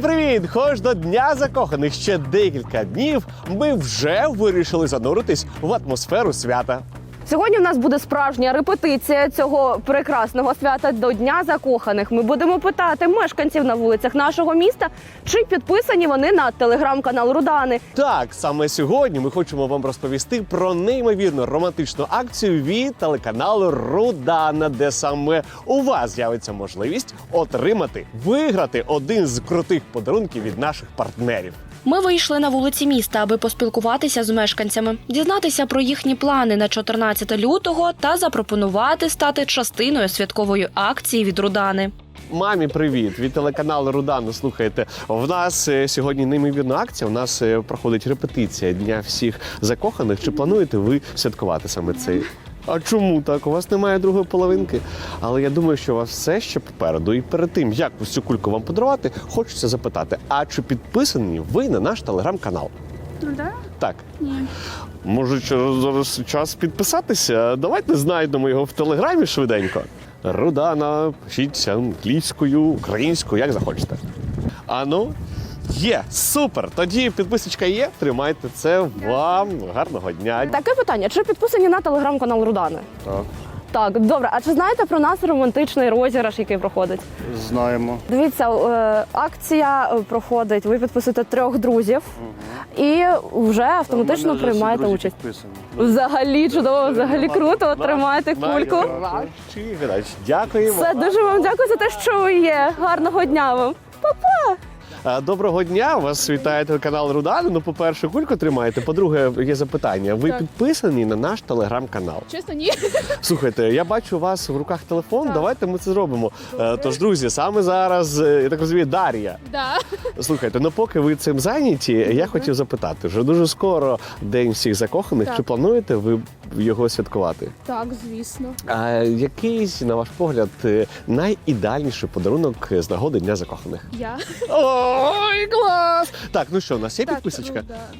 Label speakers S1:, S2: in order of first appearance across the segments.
S1: Привіт! Хоч до Дня закоханих ще декілька днів, ми вже вирішили зануритись в атмосферу свята.
S2: Сьогодні в нас буде справжня репетиція цього прекрасного свята до Дня закоханих. Ми будемо питати мешканців на вулицях нашого міста, чи підписані вони на телеграм-канал Рудани.
S1: Так, саме сьогодні ми хочемо вам розповісти про неймовірно романтичну акцію від телеканалу Рудана, де саме у вас з'явиться можливість виграти один з крутих подарунків від наших партнерів.
S3: Ми вийшли на вулиці міста, аби поспілкуватися з мешканцями, дізнатися про їхні плани на 14 лютого та запропонувати стати частиною святкової акції від Рудани.
S1: Мамі, привіт! Від телеканалу Рудана. Слухайте, в нас сьогодні неймовірна акція, у нас проходить репетиція Дня всіх закоханих. Чи плануєте ви святкувати саме цей? А чому так? У вас немає другої половинки. Але я думаю, що у вас все ще попереду. І перед тим, як ось цю кульку вам подарувати, хочеться запитати, а чи підписані ви на наш телеграм-канал?
S4: Да?
S1: Так.
S4: Ні.
S1: Може, зараз час підписатися? Давайте знайдемо його в телеграмі швиденько. Рудана, пишіть англійською, українською, як захочете. Ану, є, супер! Тоді підписочка є, тримайте це вам. Гарного дня.
S2: Таке питання, чи підписані на телеграм-канал Рудани?
S1: Так.
S2: Так, добре. А чи знаєте про нас романтичний розіграш, який проходить?
S5: Знаємо.
S2: Дивіться, акція проходить, ви підписуєте 3 друзів і вже автоматично приймаєте участь. Взагалі чудово, взагалі круто, тримаєте кульку.
S1: Дякуємо.
S2: Все, дуже вам дякую за те, що ви є. Гарного дня вам. Па-па!
S1: Доброго дня, вас вітає телеканал Рудана. Ну, по-перше, кульку тримаєте. По-друге, є запитання. Ви підписані на наш телеграм-канал?
S4: Чесно, ні.
S1: Слухайте, я бачу у вас в руках телефон, давайте ми це зробимо. Тож, друзі, саме зараз, я так розумію, Дар'я.
S4: Да.
S1: Слухайте, ну поки ви цим зайняті, я хотів запитати, вже дуже скоро День всіх закоханих,
S4: Так.
S1: чи плануєте ви його святкувати?
S4: Так, звісно.
S1: А який, на ваш погляд, найідеальніший подарунок з нагоди Дня закоханих?
S4: Я.
S1: Ой, клас! Так, ну що, у нас є
S4: Так,
S1: підписочка?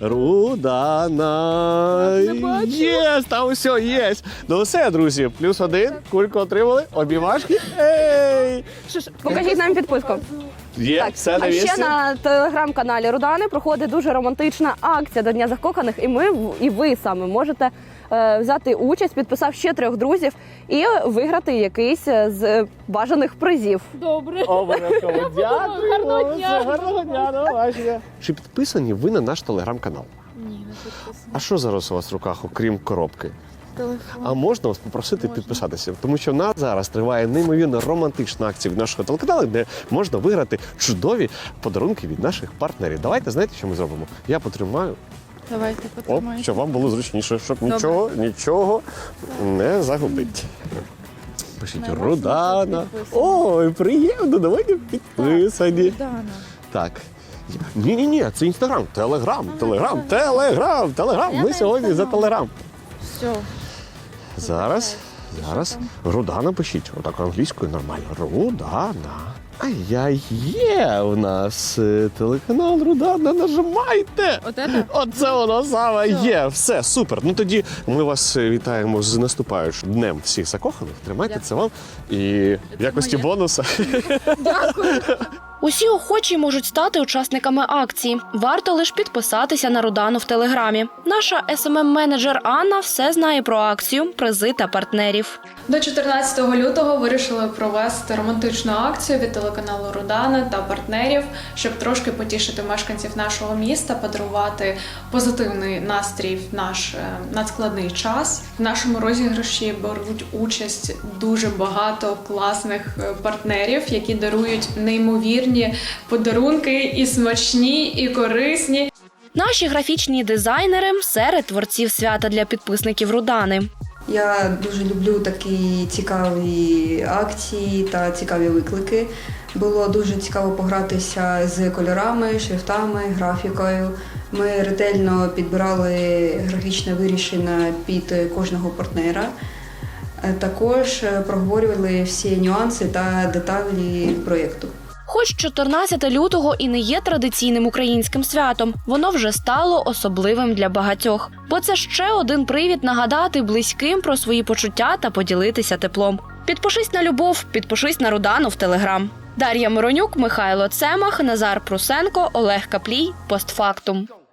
S4: Рудана.
S1: Рудана.
S4: Не бачу.
S1: Єс, там все, є. Ну все, друзі, +1, кульку отримали, обіймашки. Ей!
S2: Покажіть нам підписку.
S1: Є,
S2: Так,
S1: все на
S2: а ще
S1: місці.
S2: на телеграм-каналі Рудани проходить дуже романтична акція до Дня закоханих, і ви саме можете взяти участь, підписав ще 3 друзів і виграти якийсь з бажаних призів.
S4: Добре.
S1: Обов'язково. Дякую.
S4: Гарного дня.
S1: Гарного дня, до побачення. Чи підписані ви на наш телеграм-канал?
S4: Ні, не підписано.
S1: А що зараз у вас в руках, окрім коробки?
S4: Телефон.
S1: А можна вас попросити
S4: Можна.
S1: підписатися? Тому що в нас зараз триває неймовірно романтична акція від нашого телеканалу, де можна виграти чудові подарунки від наших партнерів. Давайте, знаєте, що ми зробимо? Я потримаю,
S4: Давайте
S1: оп,
S4: потримаємо.
S1: щоб вам було зручніше, щоб
S4: Добре.
S1: нічого не загубити. Пишіть
S4: На вас
S1: Рудана.
S4: ми підписані.
S1: Ой, приємно, давайте підписані.
S4: Рудана.
S1: Так. Ні, це Інстаграм, Телеграм. Ми сьогодні за Телеграм.
S4: Все.
S1: Зараз. Рудана пишіть. Отак англійською нормально. Рудана. Є у нас телеканал Рудана. Нажимайте. Оце воно саме є. Все, супер. Ну тоді ми вас вітаємо з наступаючим Днем всіх закоханих. Тримайте це вам. І в якості бонуса.
S3: Усі охочі можуть стати учасниками акції. Варто лише підписатися на Рудану в Телеграмі. Наша СММ-менеджер Анна все знає про акцію, призи та партнерів.
S6: До 14 лютого вирішили провести романтичну акцію від телеканалу Рудана та партнерів, щоб трошки потішити мешканців нашого міста, подарувати позитивний настрій в наш надскладний час. В нашому розіграші беруть участь дуже багато класних партнерів, які дарують неймовірні подарунки і смачні, і корисні.
S3: Наші графічні дизайнери серед творців свята для підписників Рудани.
S7: Я дуже люблю такі цікаві акції та цікаві виклики. Було дуже цікаво погратися з кольорами, шрифтами, графікою. Ми ретельно підбирали графічне вирішення під кожного партнера. Також проговорювали всі нюанси та деталі проєкту.
S3: Хоч 14 лютого і не є традиційним українським святом, воно вже стало особливим для багатьох. Бо це ще один привід нагадати близьким про свої почуття та поділитися теплом. Підпишись на любов, підпишись на Рудану в Телеграм. Дар'я Миронюк, Михайло Цемах, Назар Прусенко, Олег Каплій. Постфактум.